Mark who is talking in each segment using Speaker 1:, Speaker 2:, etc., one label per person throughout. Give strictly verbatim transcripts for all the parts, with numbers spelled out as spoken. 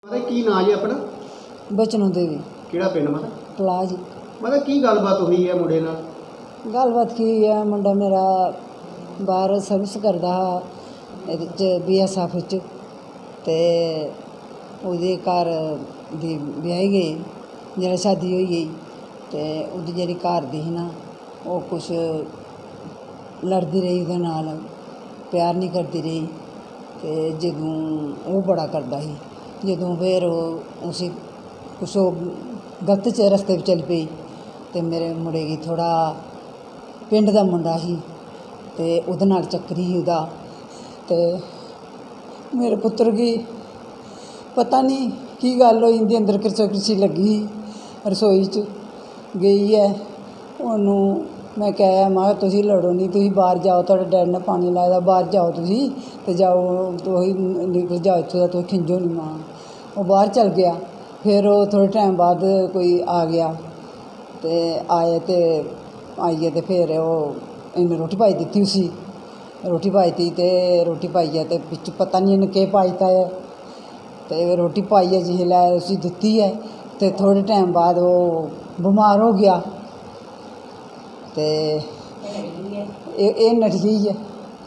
Speaker 1: मतलब की ना जी अपना
Speaker 2: बचनों देवी
Speaker 1: ਕਿਹੜਾ ਪਿੰਡ ਮਾਤਾ
Speaker 2: पलाज
Speaker 1: मतलब ਕੀ ਗੱਲਬਾਤ ਹੋਈ ਹੈ ਮੁੰਡੇ ਨਾਲ
Speaker 2: गलबात की है मुंडा मेरा बाहर सर्विस करता हा ਇਹਦੇ 'ਚ बी एस एफ च ते ਉਹਦੇ ਘਰ ਦੀ ਵਿਆਹੀ ਗਈ ਜਿਹੜਾ शादी ਹੋਈ गई ਤੇ ਉਹਦੀ ਜਿਹੜੀ ਘਰ ਦੀ ਸੀ ਨਾ ਉਹ ਕੁਛ ਲੜਦੀ ਰਹੀ ਉਹਦੇ ਨਾਲ ਪਿਆਰ ਨਹੀਂ ਕਰਦੀ ਰਹੀ ਤੇ ਜਦੋਂ ਉਹ ਬੜਾ ਕਰਦਾ ਸੀ ਜਦੋਂ ਫਿਰ ਉਹ ਉਸੇ ਕੁਛ ਉਹ ਗਲਤ ਚ ਰਸਤੇ 'ਤੇ ਚੱਲ ਪਈ ਤੇ ਮੇਰੇ ਮੁੰਡੇ ਦੀ ਥੋੜ੍ਹਾ ਪਿੰਡ ਦਾ ਮੁੰਡਾ ਸੀ ਤੇ ਉਹਦੇ ਨਾਲ ਚੱਕਰੀ ਸੀ ਉਹਦਾ ਤੇ ਮੇਰੇ ਪੁੱਤਰ ਦੀ ਪਤਾ ਨਹੀਂ ਕੀ ਗੱਲ ਹੋਈ ਇਹਦੇ ਅੰਦਰ ਕਿਰਸੋ ਕਿਰਸੀ ਲੱਗੀ ਰਸੋਈ 'ਚ ਗਈ ਹੈ ਉਹਨੂੰ ਮੈਂ ਕਿਹਾ ਮੈਂ ਕਿਹਾ ਤੁਸੀਂ ਲੜੋ ਨਹੀਂ ਤੁਸੀਂ ਬਾਹਰ ਜਾਓ ਤੁਹਾਡੇ ਡੈਡ ਨੇ ਪਾਣੀ ਲਾਇਆ ਬਾਹਰ ਜਾਓ ਤੁਸੀਂ ਤੇ ਜਾਓ ਤੁਸੀਂ ਨਿਕਲ ਜਾਓ ਇੱਥੋਂ ਦਾ ਤੁਸੀਂ ਖਿੰਜੋ ਨਹੀਂ ਮਾਂ ਉਹ ਬਾਹਰ ਚਲ ਗਿਆ ਫਿਰ ਉਹ ਥੋੜ੍ਹੇ ਟਾਈਮ ਬਾਅਦ ਕੋਈ ਆ ਗਿਆ ਤੇ ਆਏ ਤੇ ਆਈਏ ਤੇ ਫਿਰ ਉਹ ਇਹਨੇ ਰੋਟੀ ਪਾਈ ਦਿੱਤੀ ਸੀ ਰੋਟੀ ਪਾਈ ਤੀ ਤੇ ਰੋਟੀ ਪਾਈ ਹੈ ਤੇ ਵਿੱਚ ਪਤਾ ਨਹੀਂ ਇਹਨੇ ਕੀ ਪਾਈਤਾ ਹੈ ਤੇ ਰੋਟੀ ਪਾਈ ਹੈ ਜਿਹੇ ਲੈ ਅਸੀਂ ਦਿੱਤੀ ਹੈ ਤੇ ਥੋੜ੍ਹੇ ਟਾਈਮ ਬਾਅਦ ਉਹ ਬਿਮਾਰ ਹੋ ਗਿਆ ਤੇ ਇਹ ਇਹ ਨੱਠ ਗਈ ਹੈ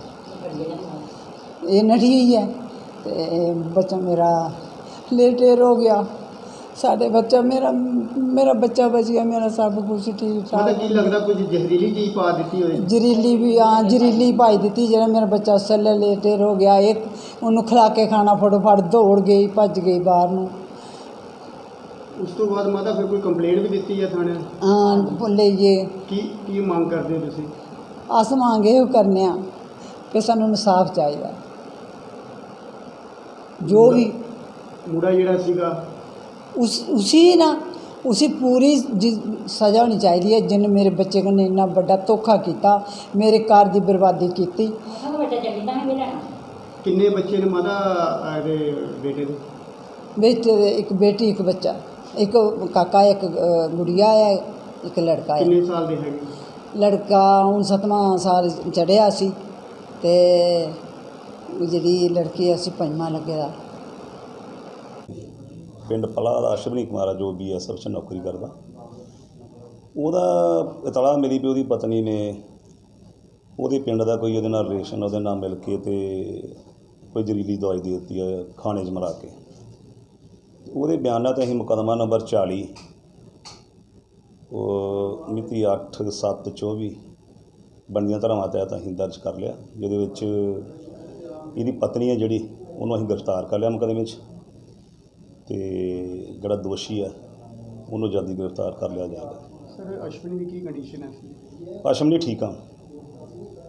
Speaker 2: ਇਹ ਨੱਠ ਗਈ ਹੈ ਤੇ ਬੱਚਾ ਮੇਰਾ ਲੇਟੇਰ ਹੋ ਗਿਆ ਸਾਡੇ ਬੱਚਾ ਮੇਰਾ ਮੇਰਾ ਬੱਚਾ ਬਚ ਗਿਆ ਮੇਰਾ ਸਭ ਕੁਛ ਠੀਕ ਠਾਕ
Speaker 1: मतलब ਕੀ ਲੱਗਦਾ ਕੁਝ ਜ਼ਹਿਰੀਲੀ ਚੀਜ਼ ਪਾ ਦਿੱਤੀ ਹੋਈ
Speaker 2: ਜ਼ਹਿਰੀਲੀ ਵੀ ਹਾਂ ਜ਼ਹਿਰੀਲੀ ਪਾਈ ਦਿੱਤੀ ਜਿਹੜਾ ਮੇਰਾ ਬੱਚਾ ਸੱਲੇ ਲੇਟੇਰ ਹੋ ਗਿਆ ਇੱਕ ਉਹਨੂੰ ਖਿਲਾ ਕੇ ਖਾਣਾ ਫਟੋਫਟ ਦੌੜ ਗਈ ਭੱਜ ਗਈ ਬਾਹਰ ਨੂੰ
Speaker 1: ਉਸ ਤੋਂ ਬਾਅਦ ਮਾਤਾ ਫਿਰ ਕੋਈ ਕੰਪਲੇਂਟ ਵੀ ਦਿੱਤੀ ਹੈ ਥਾਣੇ
Speaker 2: ਹਾਂ ਭੁੱਲੇ ਜੇ
Speaker 1: ਕੀ ਕੀ ਮੰਗ ਕਰਦੇ ਹੋ ਤੁਸੀਂ
Speaker 2: ਅਸ ਮੰਗੇ ਉਹ ਕਰਨੇ ਆ ਕਿ ਸਾਨੂੰ ਇਨਸਾਫ ਚਾਹੀਦਾ ਜੋ ਵੀ
Speaker 1: ਮੁੰਡਾ ਜਿਹੜਾ ਸੀਗਾ
Speaker 2: उस उसी ना उसी पूरी सज़ा होनी चाहिए है जिन्हें मेरे बच्चे को इन्ना बड़ा धोखा किया मेरे घर की बर्बादी की
Speaker 1: किन्ने बच्चे ने माता ਇਹਦੇ बेटे ਦੇ
Speaker 2: बेटे दे एक बेटी एक बच्चा एक काका एक गुड़िया है एक लड़का है
Speaker 1: किन्ने साल ਦੇ ਹੈਗੇ
Speaker 2: लड़का हूँ सतवां साल चढ़िया सी ते ਜਿਹੜੀ लड़की असी पंजवां लगे दा
Speaker 3: ਪਿੰਡ ਪਲਾ ਦਾ ਅਸ਼ਵਨੀ ਕੁਮਾਰ ਆ ਜੋ ਬੀ ਐਸ ਐਫ 'ਚ ਨੌਕਰੀ ਕਰਦਾ ਉਹਦਾ ਇਤਲਾਹ ਮਿਲੀ ਵੀ ਉਹਦੀ ਪਤਨੀ ਨੇ ਉਹਦੇ ਪਿੰਡ ਦਾ ਕੋਈ ਉਹਦੇ ਨਾਲ ਰਿਲੇਸ਼ਨ ਉਹਦੇ ਨਾਲ ਮਿਲ ਕੇ ਤੇ ਕੋਈ ਜ਼ਹਿਰੀਲੀ ਦਵਾਈ ਦੇ ਦਿੱਤੀ ਹੈ ਖਾਣੇ 'ਚ ਮਿਲਾ ਕੇ ਉਹਦੇ ਬਿਆਨਾਂ 'ਤੇ ਅਸੀਂ ਮੁਕੱਦਮਾ ਨੰਬਰ ਚਾਲੀ ਉਹ ਮਿਤੀ ਅੱਠ ਸੱਤ ਚੌਵੀ ਬਣਦੀਆਂ ਧਾਰਾਵਾਂ ਤਹਿਤ ਅਸੀਂ ਦਰਜ ਕਰ ਲਿਆ ਜਿਹਦੇ ਵਿੱਚ ਇਹਦੀ ਪਤਨੀ ਹੈ ਜਿਹੜੀ ਉਹਨੂੰ ਅਸੀਂ ਗ੍ਰਿਫਤਾਰ ਕਰ ਲਿਆ ਮੁਕੱਦਮੇ 'ਚ ਤੇ ਜਿਹੜਾ ਦੋਸ਼ੀ ਹੈ ਉਹਨੂੰ ਜਲਦੀ ਗ੍ਰਿਫਤਾਰ ਕਰ ਲਿਆ ਜਾਏਗਾ
Speaker 1: ਸਰ ਅਸ਼ਵਨੀ ਦੀ ਕੀ ਕੰਡੀਸ਼ਨ ਹੈ
Speaker 3: ਅਸ਼ਵਨੀ ਠੀਕ ਆ